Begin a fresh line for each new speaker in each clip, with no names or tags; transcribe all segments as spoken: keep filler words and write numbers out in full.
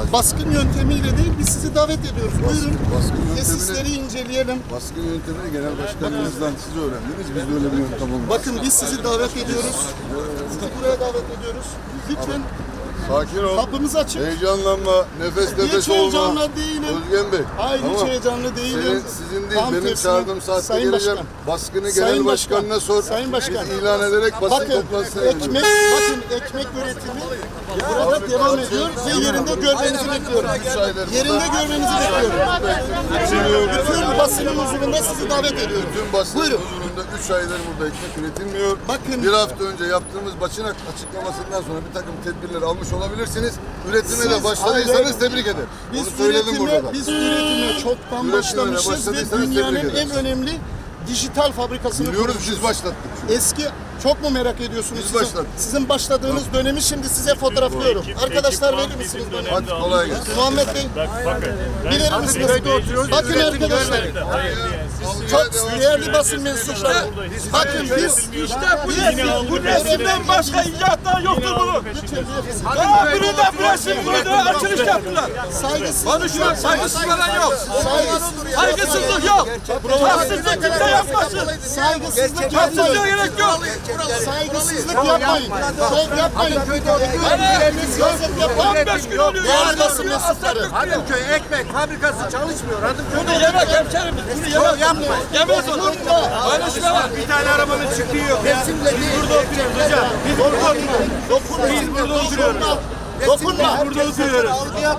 baskın yöntemiyle değil, biz sizi davet ediyoruz. Buyurun,
baskın
tesisleri inceleyelim.
Baskın yöntemini genel başkanımızdan siz öğrendiniz. Biz de öyle bir yöntem olmaz.
Bakın biz sizi davet ediyoruz. Sizi buraya davet ediyoruz. Lütfen.
Sakin ol.
Kapımız açık.
Heyecanlanma, nefes
Hiç
nefes olma.
heyecanlı değilim.
Özgen Bey.
Hayır, hiç
tamam.
heyecanlı değilim.
Senin, sizin değil,
Tam
benim
tersine.
çağırdığım saatte
Sayın
geleceğim.
Başkan.
Baskını
Sayın
genel
Başkan.
başkanına sor.
Sayın Başkan.
Biz ilan ederek basın
Bakın,
toplantısına
ekmek, bakın ekmek üretimi burada devam ediyor ve yerinde görmenizi bekliyorum. Yerinde görmenizi bekliyorum. Bütün basının huzurunda sizi davet ediyorum.
Bütün basın
Buyurun.
huzurunda üç aydır burada ekmek üretilmiyor.
Bakın.
Bir hafta önce yaptığımız basın açıklamasından sonra bir takım tedbirler almış olabilirsiniz. Üretime
Siz-
de başladıysanız
hayır,
tebrik ederim.
Biz
Onu söyledim
üretime,
burada da.
biz üretime çoktan
Üretime
başlamışız ve
başladıysanız
dünyanın
tebrik
en
ederiz.
önemli dijital fabrikasını
Biliyoruz,
kurmuşuz.
biz başlattık.
Eski çok mu merak ediyorsunuz?
Biz
Sizin,
başladık.
sizin başladığınız dönemi şimdi size fotoğraflıyorum. Arkadaşlar verir misiniz dönemi?
Hadi kolay gelsin.
Muhammed Bey,
Bakın.
bilir misiniz? Bakın arkadaşlar, çok değerli basın mensupları. Bakın biz
İşte bu resim, bu resimden başka icatlar yoktur bunun. Daha biri de bu resim burada açılış yaptılar.
saygısızlık
Konuşma, saygısız falan yok. Saygısızlık yok. Haksızlık kimse yapmasın.
saygısızlık
Haksızlığa
yapmayın.
gerek yok.
Saygısızlık yapmayın. Şov yapmayın. Siyaset yapmayın.
on beş gün oluyor.
Değerli basın mensupları.
Hadımköy ekmek fabrikası çalışmıyor. Hadımköy
Bunu yemek hemşerim. Bunu yemek yapmayın. Yemez onu. Paylaşma var.
bir tane arabanın çıktığı yok. Resimle değil. Burada oturuyoruz hocam. Biz burada oturuyoruz.
Dokunma. Biz burada oturuyoruz. Dokunma.
Burada oturuyoruz.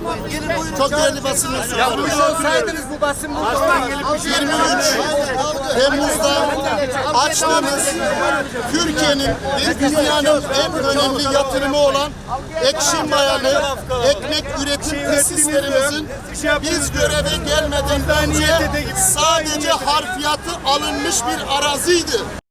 Çok değerli basın mensupları.
Burada olsaydınız bu basın burada gelip bir şey
yirmi üç Temmuz'da açtığımız Türkiye'nin ve dünyanın en önemli yatırımı olan Ekşi Mayalı ekmek üretim tesislerimizin biz göreve gelmeden önce sadece harfiyatı alınmış bir araziydi.